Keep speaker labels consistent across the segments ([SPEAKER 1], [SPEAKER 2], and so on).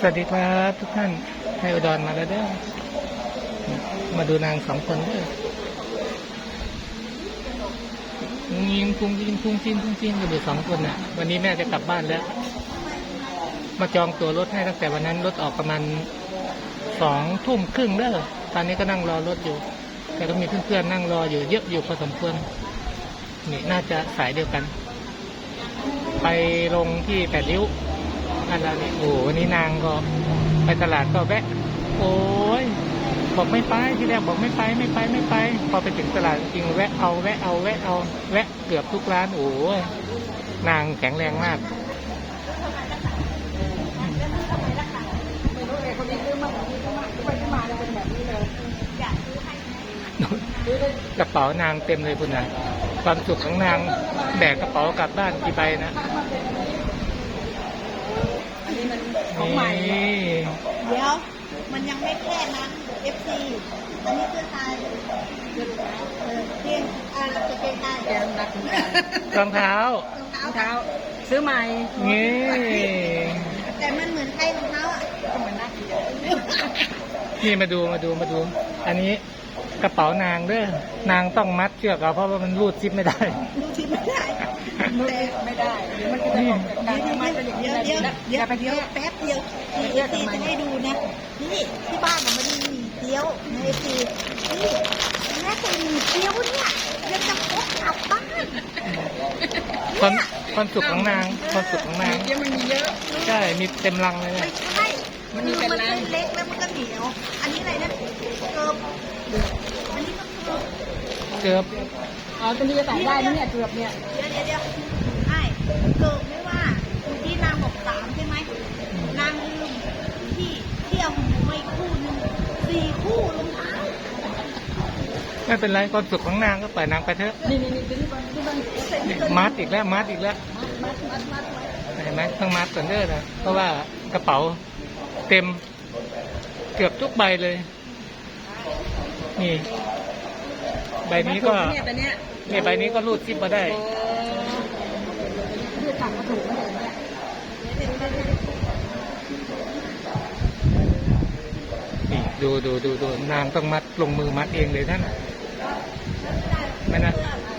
[SPEAKER 1] สวัสดีครับทุกท่านให้อุดรมาแล้วเด้อมาดูนางสองคนเด้อยิงพุงยิงพุงจิ้นพุงจิ้นกันอยู่สองคนน่ะวันนี้แม่จะกลับบ้านแล้วมาจองตั๋วรถให้ตั้งแต่วันนั้นรถออกประมาณ20:30เด้อตอนนี้ก็นั่งรอรถอยู่แต่ก็มีเพื่อนๆนั่งรออยู่เยอะอยู่พอสมควรนี่น่าจะสายเดียวกันไปลงที่8 ริ้วอันนั้นนี่โอ้วันนี้นางก็ไปตลาดก็แวะโอ้ยบอกไม่ไปที่แรกบอกไม่ไปพอไปถึงตลาดจริงแวะเอาแวะเกือบทุกร้านโอ้ยนางแข็งแรงมากกระเป๋านางเต็มเลยคุณนะความสุขของนางแบกกระเป๋ากลับบ้านกี่ใบนะ
[SPEAKER 2] ของใหม่เดี๋ยวมันยังไม่แค่นั้น FC อันนี้เพื่อไทยเพียงเราจะเป็นไทยแกมรัก
[SPEAKER 1] รองเท้าร
[SPEAKER 2] องเท้าซื้อใหม่
[SPEAKER 1] นี่
[SPEAKER 2] แต่มันเหมือนใครรองเท้าอ่ะก็เหมือนนัก
[SPEAKER 1] นี่มาดูอันนี้กระเป๋านางเด้อนางต้องมัดเชือกเอาเพราะว่ามันรูดซิปไม่ได้
[SPEAKER 2] ไม่ได้เดี๋ยวมันจะต้องการมัดเป็นอย่างนี้เดี๋ยวแป๊บเดียวที่จะให้ดูนะนี่ที่บ้านมันมีเตี้ยวในทีนี่แม่คนมีเตี้ยวเนี่ยยังจะพกกลับบ้าน
[SPEAKER 1] ความสุขของนาง
[SPEAKER 2] เยอะมันมีเยอะ
[SPEAKER 1] ใช่มีเต็มรังเลย
[SPEAKER 2] ไม่ใช่มันเล็กแล้วมันก็เหนียวอันนี้อะไรนะเกิบอันนี้ก็
[SPEAKER 1] เกือบ
[SPEAKER 2] อ๋อตัวนี้จะใส่ได้เนี่ยเกือบเนี่ยเดี๋ยวใช่เกิบไม่ว่าที่นางบอก3ใช่ไหมนางลืมที่เอาไม่คู่นึง4 คู่รองเท้า
[SPEAKER 1] ไม่เป็นไรความสุขของนางก็ปล่อยนางไปเถอะ
[SPEAKER 2] นี่
[SPEAKER 1] มัดอีกแล้วเห็นไหมต้องมัดก่อนเด้อนะเพราะว่ากระเป๋าเต็มเกือบทุกใบเลยนี่ใบนี้ก็ใบนี้ก็รูดซิปมาได้นี่ดูนางต้องมัดลงมือมัดเองเลยท่านไม่นะ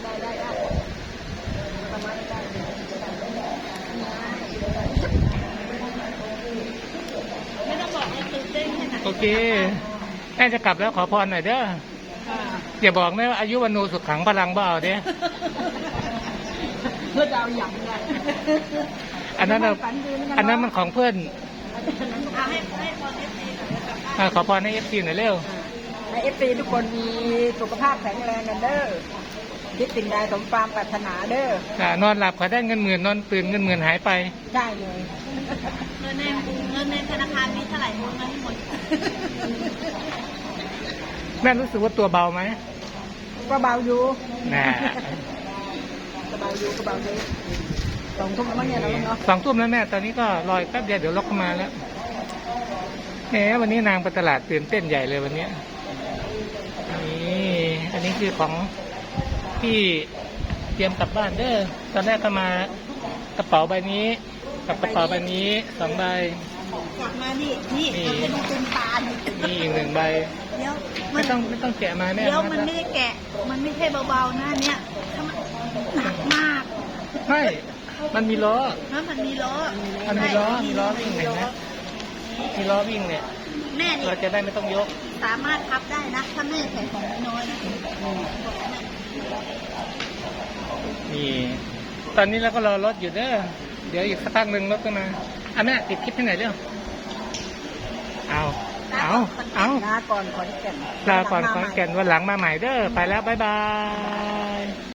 [SPEAKER 2] ไม่ต้องบอกตื่นเต้นขนาด
[SPEAKER 1] โอเคแม่จะกลับแล้วขอพรหน่อยเด้ออย่าบอกนะว่าอายุวันโนสุขขังพลังเบาเด้
[SPEAKER 2] เพื่อจะเอาอย่างไร
[SPEAKER 1] อันนั้นมันของเพื่อนขอพรให้FCหน่อยเร็ว
[SPEAKER 2] ให้FCทุกคนมีสุขภาพแข็งแรงกันเด้อคิดสิ่งใดสมความปรารถนาเด้
[SPEAKER 1] อนอนหลับขอได้เงินหมื่นนอนตื่นเงินหมื่นหายไป
[SPEAKER 2] ได้เลยเงินในธนาคารมีเท่าไหร่โอนเงินหมด
[SPEAKER 1] แม่รู้สึกว่าตัวเบาไหม
[SPEAKER 2] ก็เบาอยู่
[SPEAKER 1] น่ะ
[SPEAKER 2] ก็เบาอยู่2 ทุ่มแล้วมั้งเนี่ยเราเนาะ
[SPEAKER 1] 2 ทุ่มแล้วแม่ตอนนี้ก็รออีกแป๊บเดียวเดี๋ยวล็อกเข้ามาแล้วแหมวันนี้นางไปตลาดตื่นเต้นใหญ่เลยวันนี้นี่อันนี้คือของที่เตรียมกลับบ้านเด้อตอนแรกก็มากระเป๋าใบนี้กับกระเป๋าใบนี้2 ใบ
[SPEAKER 2] กลับมานี่เป็นตา
[SPEAKER 1] นี่อีก1 ใบ
[SPEAKER 2] เดี๋ยว
[SPEAKER 1] ไม่ต้องแกะมาแน่
[SPEAKER 2] เดี๋ยวมันไม่ได้แกะมันไม่ใช่เบาๆนะเนี่ยหนักมาก
[SPEAKER 1] ใช่มันมีล้อ
[SPEAKER 2] มันมีล้อ
[SPEAKER 1] วิ่งเห็นไหมมีล้อวิ่งเนี่ย
[SPEAKER 2] แม่นี่
[SPEAKER 1] เราจะได้ไม่ต้องยก
[SPEAKER 2] สามารถพับได้นะถ้าแม่ใส่ของน้อยนะ
[SPEAKER 1] นี่ตอนนี้เราก็รอรถอยู่เด้อเดี๋ยวอีกสักพักหนึ่งรถก็มาแม่ติดคลิปที่ไหนเรื่อง
[SPEAKER 2] ลาก่อนขอนแก่น
[SPEAKER 1] วันหลังมาใหม่เด้อไปแล้วบ๊ายบาย